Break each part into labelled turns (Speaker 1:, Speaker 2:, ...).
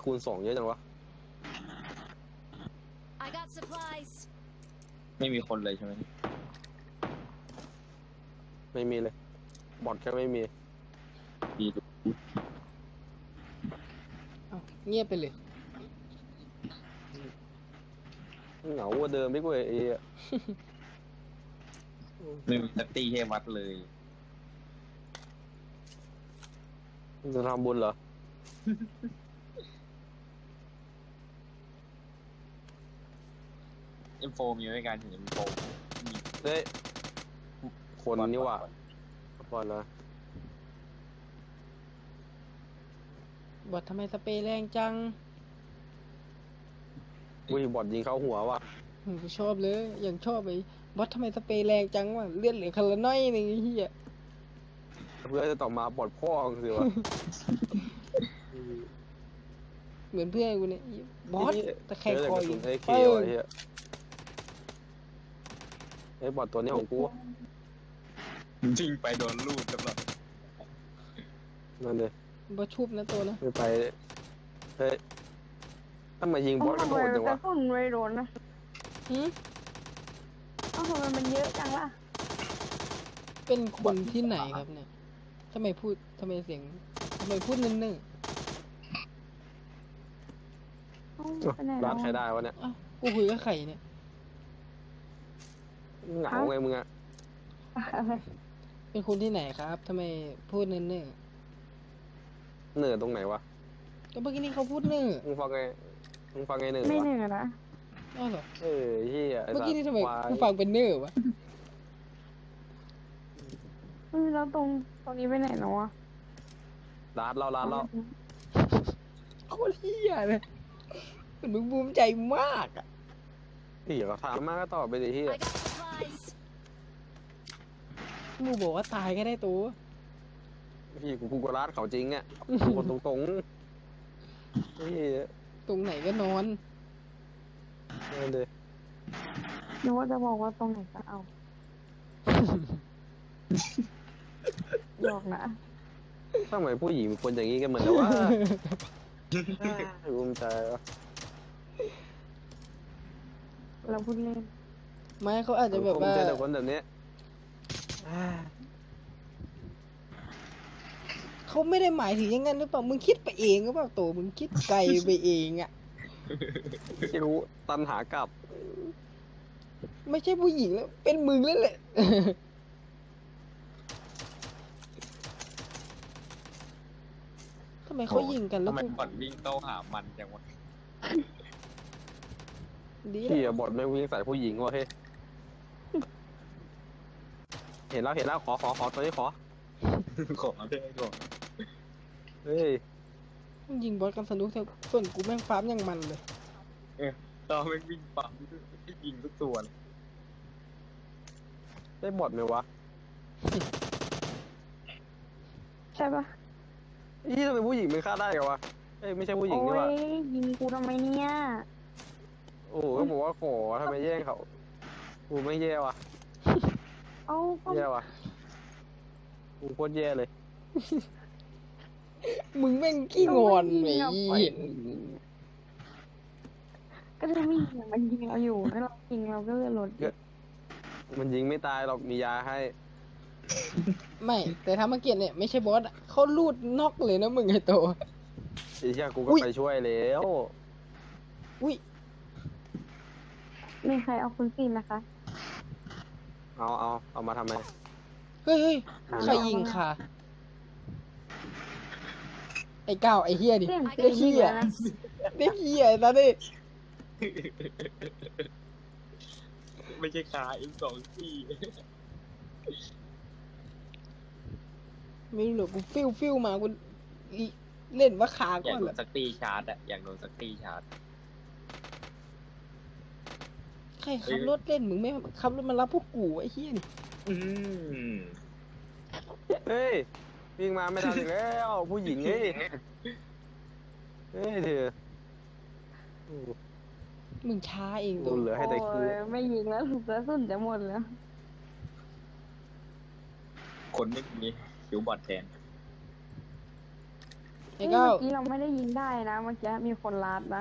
Speaker 1: คูณ2เยอะจังวะ
Speaker 2: I got supplies.
Speaker 3: ไม่มีคนเลยใช่ไหม
Speaker 1: ไม่มีเลยบอทแค่ไม่มี
Speaker 3: ดีดู
Speaker 4: อ้าวเงียบไปเลย
Speaker 1: เหงากว่าเดิมไม่กว่าไอ้
Speaker 3: ไม่มีสักตีให้วัดเลย
Speaker 1: จะทำบุญเหรอ
Speaker 3: M4 มีไว้การเห็น M4 มี
Speaker 1: เฮ้ยคนนี่หว่าบอทนะ
Speaker 4: บอททำไมสเปรย์แรงจัง
Speaker 1: อุ้ยบอทยิงเข้าหัวว่ะ
Speaker 4: กูชอบเลยอย่างชอบไอ้บอททำไมสเปรย์แรงจังวะเลือดเหลือคนละน้อยหนึงไอ้เหี้ย
Speaker 1: เพื่อจะต่อมาบอทพ่อมึงสิวะ
Speaker 4: เหมือนเพื่อนกูเนี่ยบอสตะแคงคออยู่
Speaker 1: ไอ้เค
Speaker 4: เปิ้
Speaker 1: วะ
Speaker 4: ง
Speaker 1: เฮียไอ้บอทตัวนี้ของกู
Speaker 3: จริงไปโดนลูดแล้วหรอ
Speaker 1: นั่นเลย
Speaker 4: บอสชุบนะตัวนะ
Speaker 1: ไม่ไปเฮ้ยถ้ามายิงบอสก็โดนจัง
Speaker 5: กระ
Speaker 1: วะ
Speaker 5: สุนไม่โดนนะ
Speaker 4: หืม
Speaker 5: เอ้าทำไมมันเยอะจังล่ะ
Speaker 4: เป็นคนที่ไหนครับเนี่ยทำไมพูดทำไมเสียงทำไมพูดนึ่ง
Speaker 5: เอ้าไปไหน
Speaker 1: ร้า
Speaker 5: แล้
Speaker 1: น
Speaker 5: ว
Speaker 1: ใครได้วะเนี่ย
Speaker 4: ๆอ้าวกูคุยกับใครเนี่ย
Speaker 1: เหงาไงมึงอะ
Speaker 4: เป็นคนที่ไหนครับทำไมพูดนึ่ง
Speaker 1: เหนื่อยตรงไหนวะ
Speaker 4: ๆก็เมื่อกี้นี้เขาพูดนึ่ง
Speaker 1: มึงฟังไงเหนื่อย
Speaker 5: ไม่
Speaker 1: วะ
Speaker 5: เหนื่อยนะ
Speaker 4: อ้าวเหรอ
Speaker 1: เออเฮียไอ้
Speaker 4: เมื่อ
Speaker 1: สัต
Speaker 4: กี้
Speaker 1: ว์
Speaker 4: นี้ทำไม
Speaker 1: ควาย
Speaker 4: กูฟังเป็นเนอร์วะ
Speaker 5: แล้วตรงนี้ไปไหนแล้ววะ
Speaker 1: ร้านเรา
Speaker 4: โคตรเหี้ยเลยเหมือนมึงภูมิใจมากอ่ะ
Speaker 1: พี่ก็ถามมากก็ตอบไปดิเฮีย
Speaker 2: I got supplies.
Speaker 4: มึงบอกว่าตายก็ได้ตัว
Speaker 1: พี่กูก็ร้านเขาจริงอ่ะคนตรงๆเฮีย
Speaker 4: ตรงไหนก็นอน
Speaker 1: นั่นเลย
Speaker 5: นึกว่าจะบอกว่าตรงไหนก็เอาหยอกนะ
Speaker 1: ทำไมผู้หญิงเป็นคนอย่างนี้กันเหมือนกันวะภูมิใจวะ
Speaker 5: เราพูดเล่น
Speaker 4: ไม่เขาอาจจะแบบ
Speaker 1: ภูมิ
Speaker 4: ว่า
Speaker 1: ใจแต่คนแบบนี้
Speaker 4: เขาไม่ได้หมายถึงอย่างนั้นหรือเปล่า มึงคิดไปเองหรือเปล่าโตมึงคิดไกลไปเองอ่ะ
Speaker 1: ไม่รู้ตันหากลับ
Speaker 4: ไม่ใช่ผู้หญิงแล้ว เป็นมึงแล้วแหละ ทำไมเขายิงกันแล้ว
Speaker 3: ทำไม
Speaker 4: กู
Speaker 3: ก่อนวิ่งเข้าหามันจังวะ
Speaker 4: ดี
Speaker 1: พี่
Speaker 4: แล้ว
Speaker 1: บทไม่วิ่งใส่ผู้หญิงวะเฮ้ยเห็นแล้วขอตัวนี้ขอ
Speaker 3: ขอได้ก่อน
Speaker 1: เฮ้ย
Speaker 4: มึงยิงบอสกันสนุกเถอะส่วนกูแม่งฟาร์มอย่างมันเลย
Speaker 3: ตอนมันวิ่งปั๊มไม่ยิงทุกตัวเลย
Speaker 1: ได้บทไหมวะ
Speaker 5: ใช่ปะ
Speaker 1: นี่ทำไมผู้หญิงมันฆ่าได้กันวะเอ้ยไม่ใช่ผู้หญิง
Speaker 5: โอ้
Speaker 1: นี่
Speaker 5: ย
Speaker 1: วะ
Speaker 5: ยิงกูทำไมเนี่ย
Speaker 1: โอ้โหก็บอกว่าขอทำไมแย่งเขากูไม่แย่วะ
Speaker 5: เอ้าก็
Speaker 1: แย่วะกูโคตรแย่เลย
Speaker 4: มึงแม่งขี้งอนไอ้เหี้ย
Speaker 5: ก็จะไม่ยิงมันยิงเราอยู่แล้วเรายิงเราก็เลยลด
Speaker 1: มันยิงไม่ตายหรอกมียาให้
Speaker 4: ไม่ แต่ถ้ามาเกียรติเนี่ยไม่ใช่บอสอะเขาลูดน็อกเลยนะมึงไอ้โต
Speaker 1: ไอ้เหี้ยกูก็
Speaker 4: อุ๊ย
Speaker 1: ไปช่วยแล้ว
Speaker 4: อุ้ย
Speaker 5: มีใครเอาคุณฟินนะคะ
Speaker 1: เอามาทำไม
Speaker 4: เฮ้ยใครยิงค่ะ ไอ้ก้าวไอ้เฮียดิ
Speaker 5: เสียง
Speaker 4: ไอ้เฮีย
Speaker 5: นะ
Speaker 4: ไอ้เฮียตาดิ
Speaker 3: ไม่ใช่ขาM2 ที่
Speaker 4: ไม่รู้หรอกกูฟิวมากูเล่นว่าขา
Speaker 3: อ
Speaker 4: ก่
Speaker 3: ยา
Speaker 4: อก น
Speaker 3: โด
Speaker 4: แห
Speaker 3: น
Speaker 4: ละ
Speaker 3: สักตีชาร์จอะอยากโดนสักตีชาร์จ
Speaker 4: ใครขับรถเล่นมึงไม่ขับรถมารับพวกกูไอ้เฮียนี่
Speaker 3: อืม
Speaker 1: เฮ้ยวิ่งมาไม่ทันอีกแล้วผู้หญิงเฮ้ยเฮ้ยเธอโอ้
Speaker 4: มึงช้าเอง
Speaker 1: โห
Speaker 4: ตัว
Speaker 1: เหลือให้แต่คิว
Speaker 5: โอ้ยไม่ยิงแล้วถูกกระสุนจะหมดแล้ว
Speaker 3: คนไม่มีคิวบอดแทน
Speaker 4: ไอ้
Speaker 5: เมื่
Speaker 4: ก้าว
Speaker 5: อกี้เราไม่ได้ยิงได้นะเมื่อกี้มีคนลาดนะ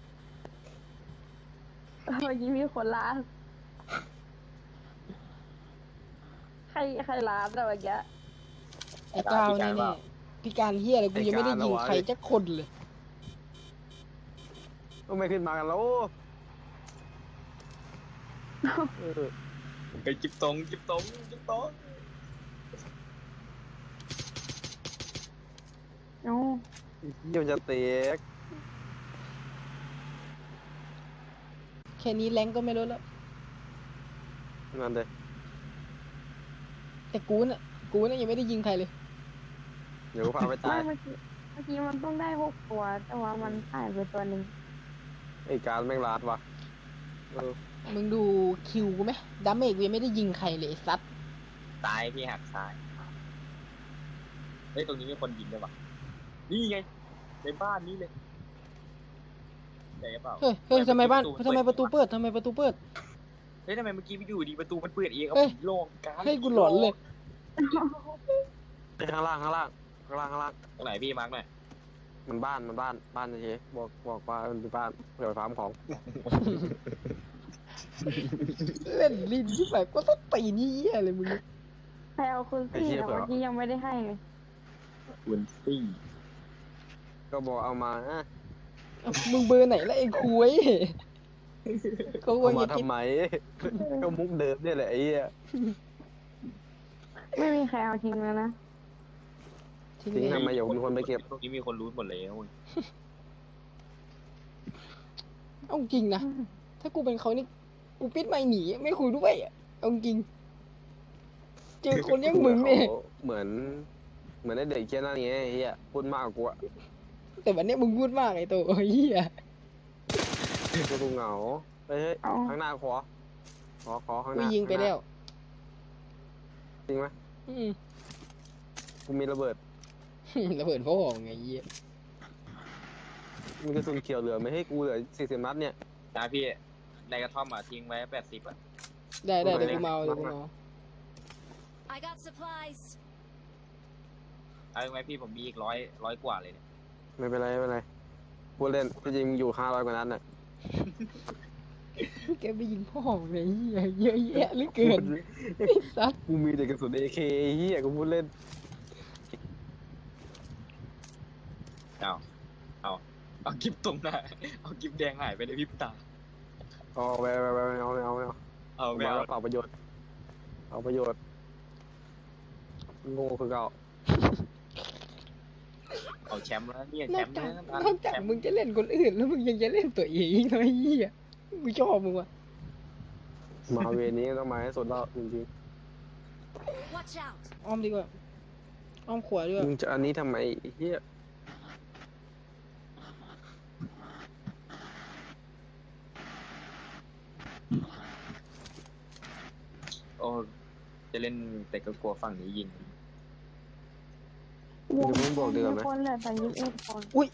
Speaker 5: เมื่อกี้มีคนลาดใครลาดอะเมื่อกี้
Speaker 4: ไอ้ก้าวนี่นี่พี่การเฮียอะไรกูยังไม่ได้ยิงใครจักคนเลย
Speaker 1: ก็ไม่ขึ้นมากันแล้วเออ
Speaker 3: ไปจิบตรงจิบตรงจิบตรง
Speaker 5: เอ้า
Speaker 1: เดี๋ยวจะเตะ
Speaker 4: แค่นี้แรงก็ไม่ลดแล้ว
Speaker 1: นั่นเลย
Speaker 4: แต่กูน่ะยังไม่ได้ยิงใครเลย
Speaker 1: เดี๋ยวกูพาไป
Speaker 5: ไม่
Speaker 1: ตาย
Speaker 5: เมื่อกี้มันต้องได้6 ตัว แต่ว่ามันหายไปตัวหนึ่ง
Speaker 1: ไอ้การแม่งลาดว่ะเออ
Speaker 4: มึงดูคิวกูไหมดาเมจกูยังไม่ได้ยิงใครเลยไอ้ซัด
Speaker 3: ซ้ายพี่หักซ้ายเฮ้ยตรงนี้มีคนยิงด้วยวะนี่ไงในบ้านนี้เลยใช่เปล่า
Speaker 4: เฮ้ยทำไมประตูเปิด
Speaker 3: เฮ้ยทำไมเมื่อกี้ไปอยู่ดีประตูมันเปิดเองเอา
Speaker 4: เฮ้ย
Speaker 3: โล่งการ
Speaker 4: ให้กูหลอนเลย
Speaker 1: ไอ้ข้างล่างข้างล่าง
Speaker 3: ตรงไหนพี่มาร์กหน่อย
Speaker 1: มันบ้านเฉยๆบอกว่ามันเป็นบ้านเดี๋ยวไปฟาร์มของ
Speaker 4: เล่นลิ้นที่แบบก็ต้องตีนี่เหี้ยเลยมึง
Speaker 5: ใครเอาคุณซี่อะเมื่อกี้ยังไม่ได้ให้เลย
Speaker 3: คุณซี่
Speaker 1: ก็บอกเอามา
Speaker 4: เอ้ามึงเบอร์ไหนแล้วไอ้คุยเขาคว
Speaker 1: เอา
Speaker 4: ร
Speaker 1: มา
Speaker 4: จะคิด
Speaker 1: ทำไม ก็มุกเดิมเนี่ยแหละไอ้เหี้ย
Speaker 5: ไม่มีใครเอาทิ้งแล้วนะ
Speaker 4: ทิ้ง
Speaker 1: ทิ้ง
Speaker 4: เลย
Speaker 1: ทำไมเดี๋ยวมีคนไปเก็บ
Speaker 3: ตรงนี้มีคนรู้หมดแล้ว
Speaker 4: เอาจริงนะถ้ากูเป็นเขานี่กูปิดไมค์หนีไม่คุยด้วยอะเอาจริงเจอคนอยังมึงเนี่ย
Speaker 1: เหมือนไอ้เด็กแค่นั้นไงไอ้เหี้ยพูดมากกว่ากูอะ
Speaker 4: แต่วันนี้มึงพูดมากไอ้ตัวเหี้ย
Speaker 1: กูเหงาเฮ้ย
Speaker 5: เอา
Speaker 1: ข้างหน้าขอข้างห
Speaker 4: กู
Speaker 1: น้า
Speaker 4: ยิงไปแล้ว
Speaker 1: จริงไหม
Speaker 4: อืม
Speaker 1: กูมีระเบิด
Speaker 4: ระเบิดพ่อไงเหี้ย
Speaker 1: มีกระสุนเขียวเหลือไม่ให้กูเหลือ40 นัดเนี่ย
Speaker 3: นะพี่ในกระท่อมทิ้งไว้80อ่ะ
Speaker 4: ได้เดี๋ยวกูเมาเดี๋ยวกูเมา
Speaker 2: I got supplies.
Speaker 3: เอาไหมพี่ผมมีอีกร้อยกว่าเลยเนี่ย
Speaker 1: ไม่เป็นไรพูดเล่นที่จริงอยู่500 กว่านัดน่ะ
Speaker 4: แกไปยิงพ่อไงเหี้ยเยอะแยะเหลือเกินไอ้สัส
Speaker 1: กูมีแต่กระสุน AK ไอ้เหี้ยกูพูดเล่น
Speaker 3: เอากิฟตรงหน้าเอากิฟแดงหายไปในพริบตา
Speaker 1: เอาไปเอา
Speaker 3: เอาไม่
Speaker 1: มา
Speaker 3: เอา
Speaker 1: แล้วเปล่าประโยชน์เอาประโยชน์โง่คือเก่า
Speaker 3: เอาแชมป์แล้วเนี่ย
Speaker 4: น
Speaker 3: แช
Speaker 4: อก
Speaker 3: มป์
Speaker 4: จาก
Speaker 3: นะ
Speaker 4: นอกจากมึงจะเล่นคนอื่นแล้วมึงยังจะเล่นตัวเองอีกนะไอ้เหี้ยกูชอบมึงว่ะ
Speaker 1: มาเวนี้ต้องมาให้สุดแล้วจริง
Speaker 2: Watch out.
Speaker 4: อ้อมดีกว่าอ้อมขวาดีก
Speaker 1: ๆ
Speaker 4: ว่า
Speaker 1: มึงจะอันนี้ทำไมไอ้เหี้ย
Speaker 3: โอ้จะเล่นแต่ก็กลัวฝั่งนี้ยิง
Speaker 1: เดี๋ยวมึงบอกเดือนไหม
Speaker 5: คนเหลือแต่21 คน
Speaker 4: อุ้ย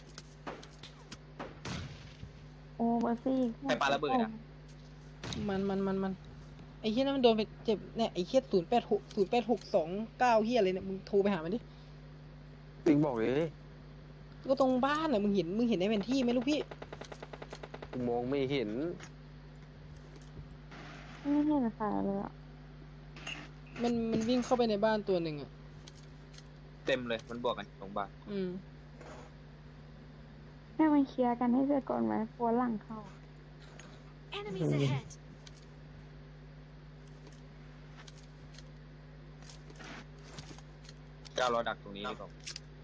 Speaker 5: โอ้เบอร์ซี่
Speaker 3: ใครปาระเบิดอ่ะ
Speaker 4: มันไอ้เหี้ยนั่นมันโดนไปเจ็บเนี่ยไอ้เหี้ย086229เหี้ยอะไรเนี่ยมึงโทรไปหามันดิ
Speaker 1: ติ๊กบอกเลย
Speaker 4: ก็ตรงบ้านน่ะมึงเห็นในแผนที่ไหมลูกพี่
Speaker 1: กูมองไม่เห็น
Speaker 5: ไม่เห็นใครเลยอ่ะ
Speaker 4: มันวิ่งเข้าไปในบ้านตัวหนึ่งอ่ะ
Speaker 3: เต็มเลยมันบวกกันตรงบ้าน
Speaker 4: อืม
Speaker 5: ให้มันเคลียร์กันให้เสร็จก่อนไหมกลัวหลังเข้า
Speaker 2: Enemies ahead.
Speaker 3: เจ้ารอดักตรงนี้ดีกว่า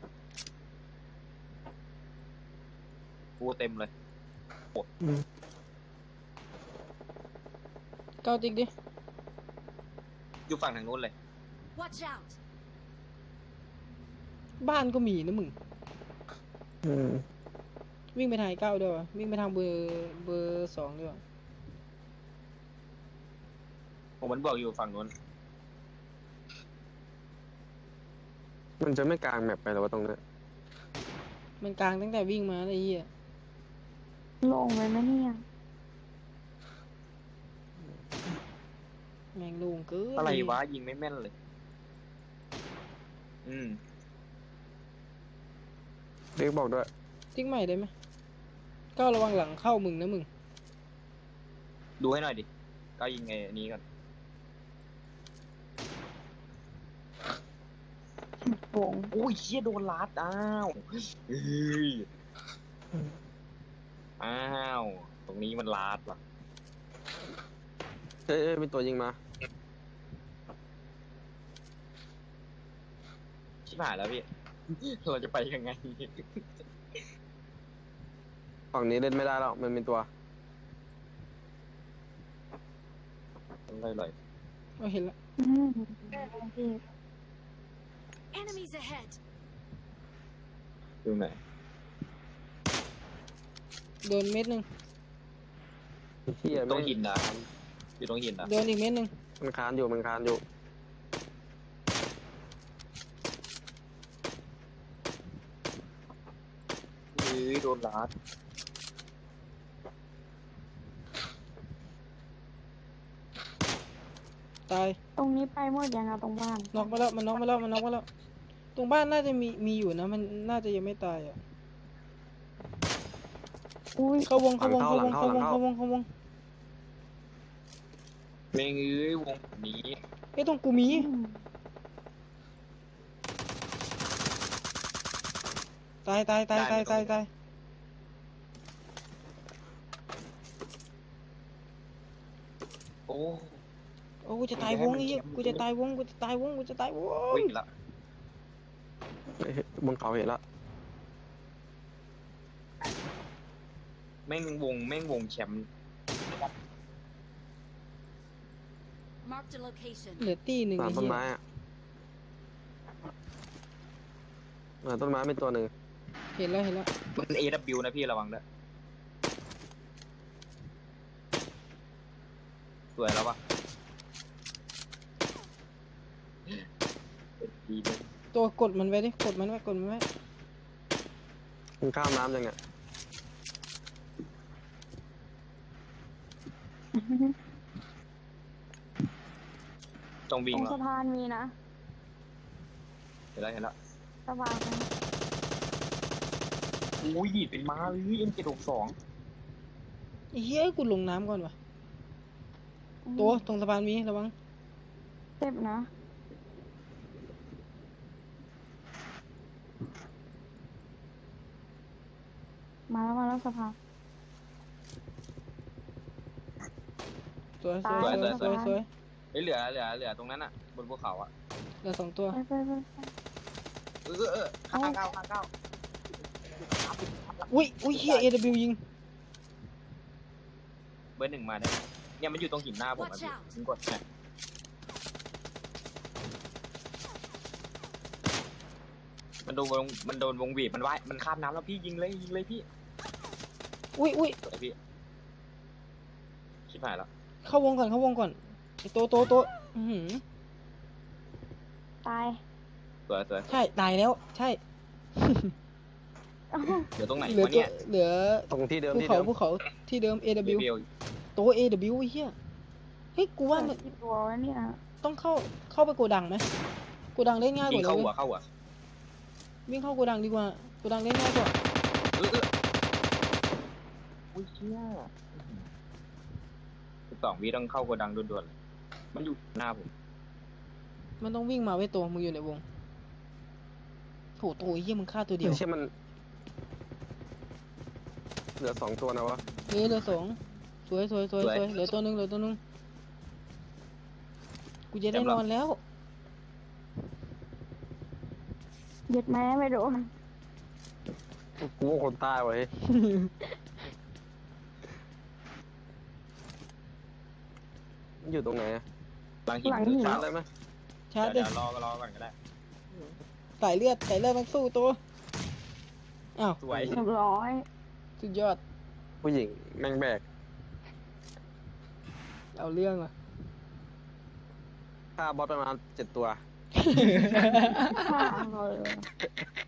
Speaker 3: กูเต็มเลย
Speaker 4: ก้าวติ๊กดิ
Speaker 3: อยู่ฝั่งทางนู้นเลย
Speaker 2: Watch out.
Speaker 4: บ้านก็มีนะมึง วิ่งไปทางไอ้ก้าวด้วยวะวิ่งไปทางเบอร์2ด้วยวะ
Speaker 3: ผมมันบอกอยู่ฝั่งนู้น
Speaker 1: มันจะไม่กลางแมปไปหรอวะตรงนั้น
Speaker 4: มันกลางตั้งแต่วิ่งมาไอ้เหี้ย
Speaker 5: ลงไปไหมเนี่ย
Speaker 4: แม่งโล่งเกิน
Speaker 3: อะไรวะยิงไม่แม่นเลย อืม
Speaker 1: เด็กบอกด้วย
Speaker 4: ติ๊กใหม่ได้ไหมก้าวระวังหลังเข้ามึงนะมึง
Speaker 3: ดูให้หน่อยดิก็ยิงไงอันนี้ก่อน
Speaker 5: วง
Speaker 3: โอ้ยเชี่ยโดนลัดอ้าวเฮ้ยอ้าวตรงนี้มันลัดว่ะ
Speaker 1: เฮ้ยมีตัวยิงมา
Speaker 3: ชิบหายแล้วพี่ เราจะไปยังไง
Speaker 1: ฝั่งนี้เล่นไม่ได้แล้วมันมีตัว
Speaker 3: เลย
Speaker 4: เอาเห็นละ
Speaker 5: อืมพี่
Speaker 2: Enemies ahead.
Speaker 3: ดูไหนอย
Speaker 4: โดนเม็ดหนึ่ง
Speaker 1: เฮีย
Speaker 3: ตรง
Speaker 1: แม่ง
Speaker 3: หินนะอยู่ตรงหินนะ
Speaker 4: โดนอีกเม็ดหนึ่ง
Speaker 1: มันคานอยู่มันคานอยู่
Speaker 3: เฮ้ยโดนลัด
Speaker 4: ตาย
Speaker 5: ตรงนี้ไปหมดยังอะตรงบ้าน
Speaker 4: น็อกไปแล้วมันน็อกไปแล้วมันน็อกไปแล้ว ตรงบ้านน่าจะมีอยู่นะ มันน่าจะยังไม่ตายอ่ะ
Speaker 5: อุ้ย
Speaker 4: เข้าวงเข้าวงเข้าวงเข้าวงเข้าวงเข้าวง
Speaker 3: แม่งเอ้ยวงนี้
Speaker 4: ไอ้ยตรงกูมี
Speaker 5: อืม
Speaker 4: ตายตายตายตายตายตาย
Speaker 3: โอ้
Speaker 4: โอ้กูจะตายวงไอ้เหี้ยกูจะตายวงกูจะตายวงกูจะตายวง
Speaker 3: วิ่งละ
Speaker 1: เฮ้ยบนเขาเห็นละ
Speaker 3: แม่งวงแชมป์
Speaker 2: Marked a location.
Speaker 4: เหลือตีหนึ่ง
Speaker 1: หลั
Speaker 4: ไอ้
Speaker 1: งต้น
Speaker 4: เหี้ย
Speaker 1: ไม้อะหลังต้นไม้เป็นตัวหนึ่ง
Speaker 4: เห็นแล้วเห็นแล้ว
Speaker 3: มัน AW นะพี่ระวังด้วยสวยแล้วปะดีเลย
Speaker 4: ตัวกดมันไว้ดิกดมันไว้กดมันไว้
Speaker 1: มันข้ามน้ำยังไง
Speaker 3: ต้อง
Speaker 5: ต
Speaker 3: วิ่ง
Speaker 5: รง
Speaker 3: แล้ว
Speaker 5: สะพานมีนะ
Speaker 3: เห็นแล้ว
Speaker 5: สะพานนะ
Speaker 3: อุ้ยเป็นม้าเลย M762
Speaker 4: ไอ้เหี้ยกูลงน้ำก่อนวะตัวตรงสะพานมีระวัง
Speaker 5: เจ็บนะ มาแล้วสะพาน
Speaker 4: สวยส
Speaker 5: ตา
Speaker 4: วย
Speaker 5: ย
Speaker 4: สวยสวยสวย
Speaker 3: เฮ้ยเหลือตรงนั้นอ่ะ บนภูเขาอ่ะ
Speaker 4: เหลือสองตัว
Speaker 5: ไป
Speaker 3: ข้างเก้า
Speaker 4: อุ้ยอุ้ยเฮีย AW ยิง
Speaker 3: เบอร์หนึ่งมาได้ไหมเนี่ยมันอยู่ตรงหินหน้าผมอ่ะ
Speaker 2: Watch
Speaker 3: พี่
Speaker 2: out
Speaker 3: ผมกดเนี่ยมันโดนวงบีบมันว่ายมันข้ามน้ำแล้วพี่ยิงเลยพี่
Speaker 4: อุ้ยอุ้ย
Speaker 3: สวยพี่ชิบหายแล้ว
Speaker 4: เข้าวงก่อนเข้าวงก่อนไอ้ตัวอื้อหือ
Speaker 5: ตาย
Speaker 3: สวย
Speaker 4: ใช่ตายแล้วใช่
Speaker 5: เอ้า
Speaker 3: เดี๋ยวตรงไหน
Speaker 4: เหลือ
Speaker 3: วะ
Speaker 4: ตัว
Speaker 3: เนี่ย
Speaker 4: เหลือ
Speaker 1: ตรงที่เดิม
Speaker 4: ภู
Speaker 1: ที่
Speaker 4: เขา
Speaker 1: เดิม
Speaker 4: ภูเขาที่เดิม
Speaker 3: เบ
Speaker 4: AW
Speaker 3: ล
Speaker 4: ตัว AW ไอ้เฮียเฮ้ยกูว่ามัน
Speaker 5: กี่ตัววะเนี่ย
Speaker 4: ต้องเข้าไปโกดังไหมโกดังเล่นง่ายก
Speaker 3: ยิ
Speaker 4: ว่าง เลย
Speaker 3: เข้า
Speaker 4: เว้ย
Speaker 3: หัว
Speaker 4: วิ่งเข้าโกดังดีกว่าโกดังเล่นง่ายกว่า
Speaker 3: อุ้ยเชี่ย12 วิต้องเข้าโกดังด่วนๆเลยมันอยู่หน้าผม
Speaker 4: มันต้องวิ่งมาไว้ตัวมึงอยู่ในวงโถตัวไอ้เฮียมึงฆ่าตัวเดียว
Speaker 1: ไม่ใช่มัน เหลือ2ตัวนะวะ
Speaker 4: เหลือสองสวยเหลือตัวหนึงกูจะได้นอนแล้ว
Speaker 5: เย็ดแม่ไม่โดน
Speaker 1: กูว่าคนใต้ไว้ยอยู่ตรงไหนอะ
Speaker 3: หลังหิน
Speaker 1: ชาร์จได้ไหม
Speaker 4: ชาร์จดิ
Speaker 3: เดี๋ยวรอก่อนก็ได้
Speaker 4: สายเลือดต้องสู้ตัวอ้าว
Speaker 3: สวย
Speaker 5: เรียบร้อย
Speaker 4: สุดยอด
Speaker 1: ผู้หญิงแม่งแบก
Speaker 4: เอาเรื่องว่ะ
Speaker 1: ฆ่าบอสประมาณ7 ตัว
Speaker 5: ข้าเลย